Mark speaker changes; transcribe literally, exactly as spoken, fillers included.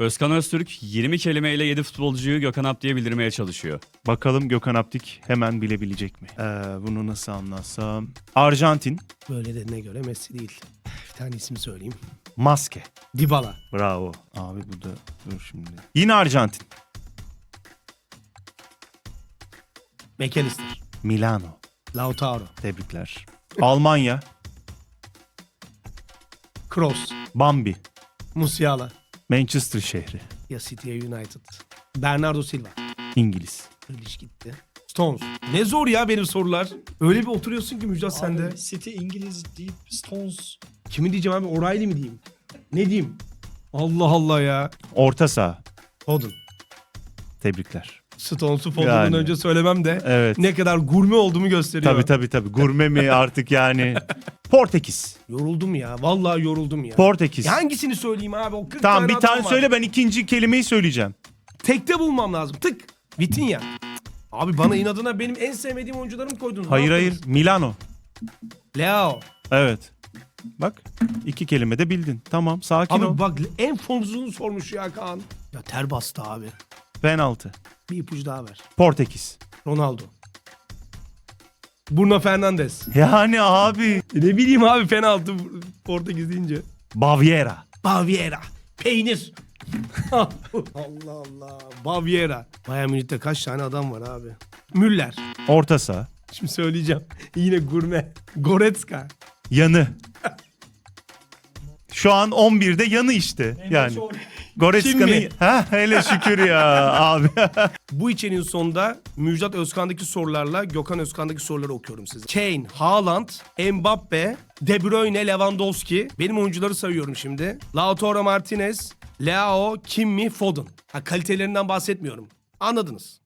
Speaker 1: Özkan Öztürk yirmi kelimeyle yedi futbolcuyu Gökhan Apti'ye bildirmeye çalışıyor.
Speaker 2: Bakalım Gökhan Aptik hemen bilebilecek mi? Ee, bunu nasıl anlatsam? Arjantin.
Speaker 3: Böyle dediğine göre Messi değil. Bir tane isim söyleyeyim.
Speaker 2: Maske.
Speaker 3: Dybala.
Speaker 2: Bravo. Abi bu da dur şimdi. Yine Arjantin.
Speaker 3: McAllister.
Speaker 2: Milano.
Speaker 3: Lautaro.
Speaker 2: Tebrikler. Almanya.
Speaker 3: Kroos.
Speaker 2: Bambi.
Speaker 3: Musiala.
Speaker 2: Manchester şehri.
Speaker 3: Ya City ya United. Bernardo Silva.
Speaker 2: İngiliz.
Speaker 3: Grealish gitti. Stones. Ne zor ya benim sorular. Öyle bir oturuyorsun ki Müjdat sende.
Speaker 4: Abi, City İngiliz deyip Stones.
Speaker 3: Kimi diyeceğim abi? O'Reilly mi diyeyim? Ne diyeyim? Allah Allah ya.
Speaker 2: Orta saha.
Speaker 3: Foden.
Speaker 2: Tebrikler.
Speaker 3: Stones'u Foden'dan
Speaker 2: Yani.
Speaker 3: önce söylemem de
Speaker 2: Evet.
Speaker 3: ne kadar gurme olduğumu gösteriyor.
Speaker 2: Tabii tabii tabii. Gurme mi artık yani? Portekiz.
Speaker 3: Yoruldum ya. Vallahi yoruldum ya.
Speaker 2: Portekiz.
Speaker 3: Ya hangisini söyleyeyim abi? O kırk
Speaker 2: Tamam bir
Speaker 3: adam
Speaker 2: tane
Speaker 3: var.
Speaker 2: söyle, ben ikinci kelimeyi söyleyeceğim.
Speaker 3: Tekte bulmam lazım. Tık. Vitinha. Abi bana inadına benim en sevmediğim oyuncularımı koydunuz. Ne
Speaker 2: Hayır hayır.
Speaker 3: yaptınız?
Speaker 2: Milano.
Speaker 3: Leo.
Speaker 2: Evet. Bak iki kelime de bildin. Tamam sakin
Speaker 3: Abi
Speaker 2: ol.
Speaker 3: bak en fonzunu sormuş ya Kaan. Ya ter bastı abi.
Speaker 2: Penaltı.
Speaker 3: Bir ipucu daha ver.
Speaker 2: Portekiz.
Speaker 3: Ronaldo. Bruno Fernandes.
Speaker 2: Yani abi.
Speaker 3: E ne bileyim abi penaltı Portekiz deyince.
Speaker 2: Baviera.
Speaker 3: Baviera. Peynir. Allah Allah. Baviera. Bayern Münih'te kaç tane adam var abi? Müller.
Speaker 2: Orta saha.
Speaker 3: Şimdi söyleyeceğim. Yine gurme. Goretzka.
Speaker 2: Yanı. Şu an on birde yanı işte. Yani.
Speaker 3: Kim
Speaker 2: Goretzka'nın...
Speaker 3: mi?
Speaker 2: Ha hele şükür ya abi.
Speaker 3: Bu içeriğin sonunda Müjdat Özkan'daki sorularla Gökhan Özkan'daki soruları okuyorum size. Kane, Haaland, Mbappe, De Bruyne, Lewandowski. Benim oyuncuları sayıyorum şimdi. Lautaro Martinez, Leao, Kimmi, Foden. Ha, kalitelerinden bahsetmiyorum. Anladınız.